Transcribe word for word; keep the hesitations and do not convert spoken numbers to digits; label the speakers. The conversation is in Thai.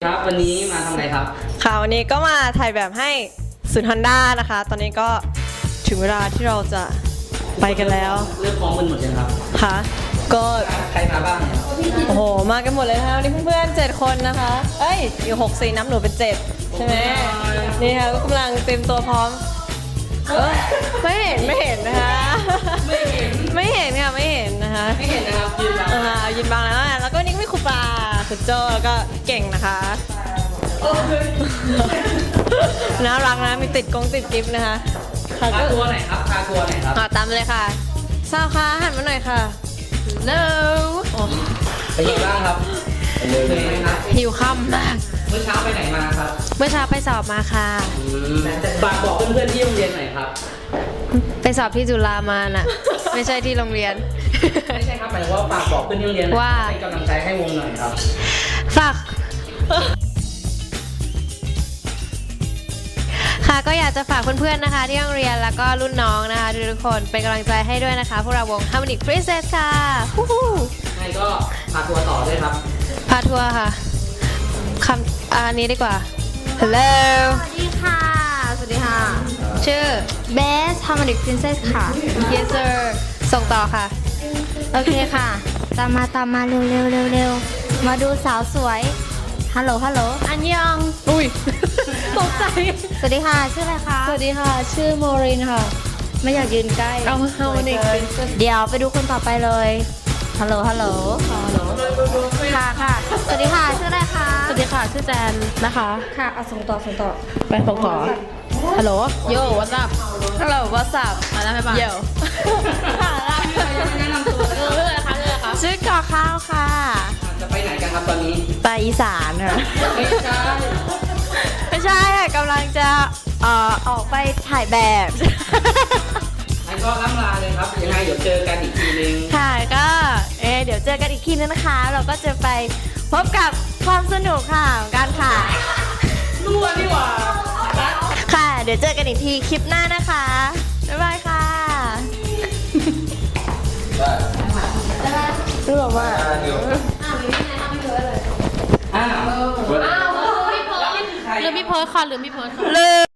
Speaker 1: ครับวันนี้มาทำอะไรครับ
Speaker 2: ค่ะวันนี้ก็มาถ่ายแบบให้ศูนย์ฮอนด้านะคะตอนนี้ก็ถึงเวลาที่เราจะไปกันแล้ว
Speaker 1: เลือกพร้อมกันหมดยังครับ
Speaker 2: ค่ะก็
Speaker 1: ใครมาบ้างเนี่ย
Speaker 2: โอ้โหมากันหมดเลยนะคะวันนี้เพื่อนๆเจ็ดคนนะคะเอ้ยอยู่หกสี่น้ำหนูเป็นเจ็ดใช่ไหมนี่ค่ะก็กำลังเตรียมตัวพร้อมเออไม่เห็นไม่เห็นนะคะไม่เห็นไม่เห็นค่ะไม่เห็นนะคะ
Speaker 1: ไม่เห็นนะครับยืนบัง
Speaker 2: อ่ายืนบังแล้วแล้วก็นี่ก็มีครูปลาคุณโจแล้วก็เก่งนะคะน่ารักนะมีติดกงติดกิฟต์นะคะ
Speaker 1: พาทัวร์ไหนครับพาทัวร์ไหนครับ
Speaker 2: ตามเลยค่ะสาวคะหันมาหน่อยค่ะเร็ว
Speaker 1: เป็นยังไงบ้างครับเป็นยังไงครับ
Speaker 2: หิวค่ำมาก
Speaker 1: เมื่อเช้าไปไหนมาครับ
Speaker 2: เมื่อเช้าไปสอบมาค่ะ
Speaker 1: ฝากบอกเพื่อนๆที่โรงเรียนหน่อยครับ
Speaker 2: ไปสอบที่จุฬามาน่ะไม่ใช่ที่โรงเรียน
Speaker 1: ไม่ใช่ครับหมายถึงว่าฝากบอกเพื่อนที่โรงเรียนว่าให้กำลังใจให้วงหน่อยครับ
Speaker 2: ฝากค่ะก็อยากจะฝากเพื่อนๆนะคะที่โรงเรียนแล้วก็รุ่นน้องนะคะทุกคนเป็นกำลังใจให้ด้วยนะคะพวกเราวง Harmonic Princess ค่ะ
Speaker 1: ใช่ก็พาทัวร์ต่อด้วยครับ
Speaker 2: พาทัวร์ค่ะคำอันนี้ดีกว่า Hello
Speaker 3: สวัสดีค่ะสวัสดีค่ะ
Speaker 2: ชื่อ
Speaker 3: Best Harmonic Princess ค่ะ
Speaker 2: Yes sir ส่งต่อค่ะ
Speaker 3: โอเคค่ะตามมาตามมาเร็วเร็วเร็วเร็วมาดูสาวสวยฮัลโหลฮัลโหลอันยอง
Speaker 2: อุ้ยตกใจ
Speaker 3: สวัสดีค่ะชื่ออะไรคะ
Speaker 2: สวัสดีค่ะชื่อโมรินค่ะ
Speaker 3: ไม่อยากยืนใกล้
Speaker 2: เอา Harmonic
Speaker 3: Princess เดี๋ยวไปดูคนต่อไปเลยฮัลโหลฮัลโหลฮัลโหลค่ะค่ะสวัสดีค่ะชื่ออะไรคะ
Speaker 2: สวัสดีค่ะชื่อแจนนะคะ
Speaker 3: ค่ะเอาส่งต่อส่งต่อ
Speaker 2: ไปส่งต่อฮัลโหลโย่ what's up ฮัลโหล what's up มาแล้วไหมบ้างโย่ค่ะ
Speaker 1: แนะนำตัวเ
Speaker 2: รื่องอะไรคะเรื่องอะไรคะชื่อกอข้าวค่ะ
Speaker 1: จะไปไหนกันครับตอนนี้
Speaker 2: ไปอีสานค่ะ
Speaker 1: ไม่ใช่
Speaker 2: ไม่ใช่ค่ะกำลังจะเอ่อออกไปถ่ายแบบ
Speaker 1: งั้นก็ล่ำลาเลยครับยังไงเดี๋ยวเจอกันอีกทีนึง
Speaker 2: ค่ะก็เอเดี๋ยวเจอกันอีกทีนึงนะคะเราก็จะไปพบกับความสนุกค่ะการถ่าย
Speaker 1: รั่วนี่หว่า
Speaker 2: ค่ะเดี๋ยวเจอกันอีกทีคลิปหน้านะคะบ๊ายบายค่ะรู้หรอว่าอ้าวมีไม่ไงทำไม่เยอะเลยอ้าวอ้าวลืมพี่เพิร์ดลืมพี่เพิร์ดค่ะลืมพี่เพิร์ดค่ะลืม